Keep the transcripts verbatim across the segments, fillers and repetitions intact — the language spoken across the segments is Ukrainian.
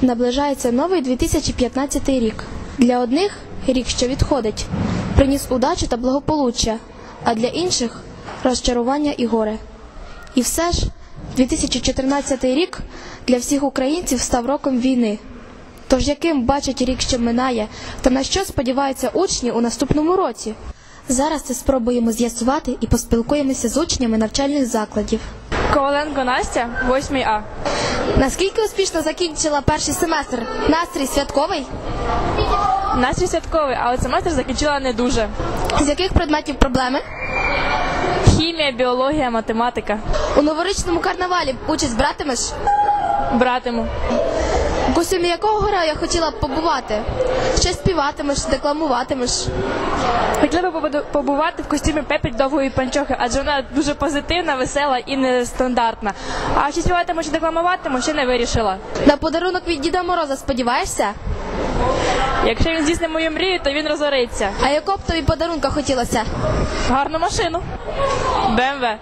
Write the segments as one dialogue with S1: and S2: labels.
S1: Наближається новий дві тисячі п'ятнадцятий рік. Для одних – рік, що відходить, приніс удачу та благополуччя, а для інших – розчарування і горе. І все ж, дві тисячі чотирнадцятий рік для всіх українців став роком війни. Тож яким бачать рік, що минає, та на що сподіваються учні у наступному році? Зараз це спробуємо з'ясувати і поспілкуємося з учнями навчальних закладів.
S2: Коваленко Настя, восьмий А.
S1: Наскільки успішно закінчила перший семестр? Настрій святковий?
S2: Настрій святковий, але семестр закінчила не дуже.
S1: З яких предметів проблеми?
S2: Хімія, біологія, математика.
S1: У новорічному карнавалі участь братимеш?
S2: Братиму.
S1: В костюмі якого героя хотіла б побувати? Ще співатимеш, декламуватимеш?
S2: Хотіла б побувати в костюмі Пепі довгої панчохи, адже вона дуже позитивна, весела і нестандартна. А чи співатиму, чи декламуватиму, ще не вирішила.
S1: На подарунок від Діда Мороза сподіваєшся?
S2: Якщо він здійснить мою мрію, то він розориться.
S1: А якого б тобі подарунка хотілося?
S2: Гарну машину. Бе ем ве.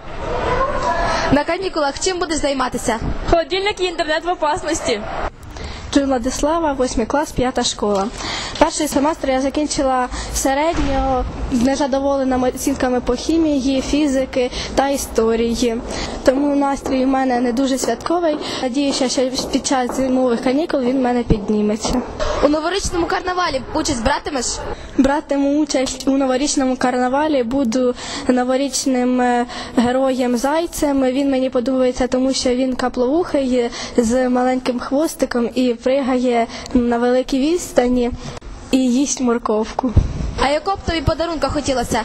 S1: На канікулах чим будеш займатися?
S2: Холодильник і інтернет в опасності.
S3: Владислава, восьмий клас, п'ята школа. Перший семестр я закінчила середньо, незадоволена оцінками по хімії, фізики та історії. Тому настрій у мене не дуже святковий. Надіюся, що під час зимових канікул він в мене підніметься.
S1: У новорічному карнавалі участь братимеш?
S3: Братиму участь у новорічному карнавалі, буду новорічним героєм-зайцем. Він мені подобається, тому що він каплоухий з маленьким хвостиком і пригає на великій відстані і їсть морковку.
S1: А якого б тобі подарунка хотілося?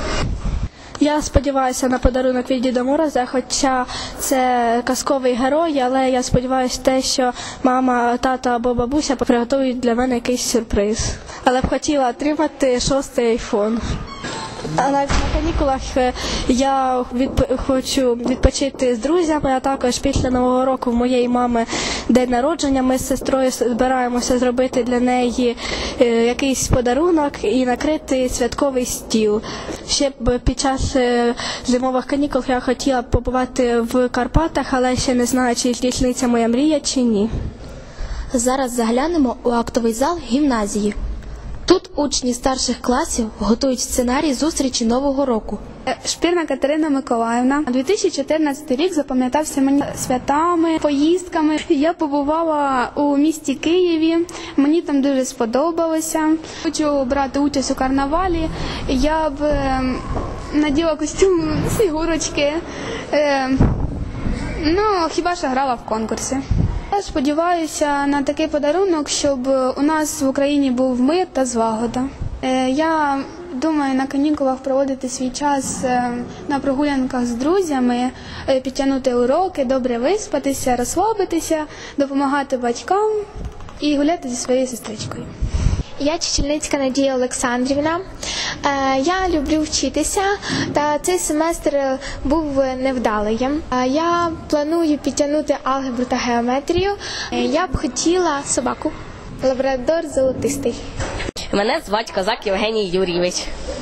S3: Я сподіваюся на подарунок від Діда Мороза, хоча це казковий герой, але я сподіваюся те, що мама, тато або бабуся приготують для мене якийсь сюрприз. Але б хотіла отримати шостий айфон. А на канікулах я відп... хочу відпочити з друзями, а також після Нового року в моєї мами день народження. Ми з сестрою збираємося зробити для неї якийсь подарунок і накрити святковий стіл. Ще б під час зимових канікул я хотіла б побувати в Карпатах, але ще не знаю, чи здійсниться моя мрія, чи ні.
S1: Зараз заглянемо у актовий зал гімназії. Тут учні старших класів готують сценарій зустрічі Нового року.
S4: Шпірна Катерина Миколаївна. дві тисячі чотирнадцятий рік запам'ятався мені святами, поїздками. Я побувала у місті Києві, мені там дуже сподобалося. Хочу брати участь у карнавалі. Я б е, наділа костюм Снігурочки. Е, ну, хіба що грала в конкурсі. Я сподіваюся на такий подарунок, щоб у нас в Україні був мир та злагода. Я думаю на канікулах проводити свій час на прогулянках з друзями, підтягнути уроки, добре виспатися, розслабитися, допомагати батькам і гуляти зі своєю сестричкою.
S5: Я Чечільницька Надія Олександрівна. Я люблю вчитися, та цей семестр був невдалим. Я планую підтягнути алгебру та геометрію. Я б хотіла собаку. Лабрадор золотистий.
S6: Мене звати Козак Євгеній Юрійович.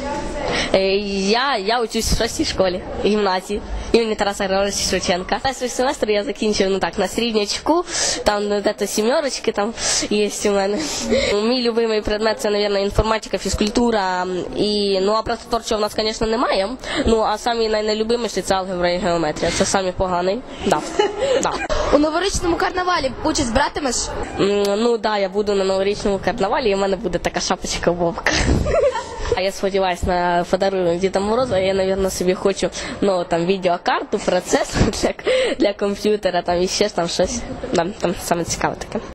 S6: Я, я учусь в шостій школі, гімназії імені Тараса Григоровича Шевченка. Перший семестр я закінчив ну так, на середнячку, там де-то сімерочки там є у мене. Мій любимий предмет – це, мабуть, інформатика, фізкультура. І, ну, а працетворчого в нас, звісно, немає. Ну, а самі найлюбиміші – це алгебра і геометрія. Це самі поганий. Да. Да.
S1: У новорічному карнавалі участь братимеш?
S6: Ну, так, да, я буду на новорічному карнавалі, і в мене буде така шапочка Вовка. А я сподіваюся на подарунок Діда Мороза, я, мабуть, собі хочу ну, там, відеокарту, процесор для, для комп'ютера, там, і ще там щось, там, там саме цікаве таке.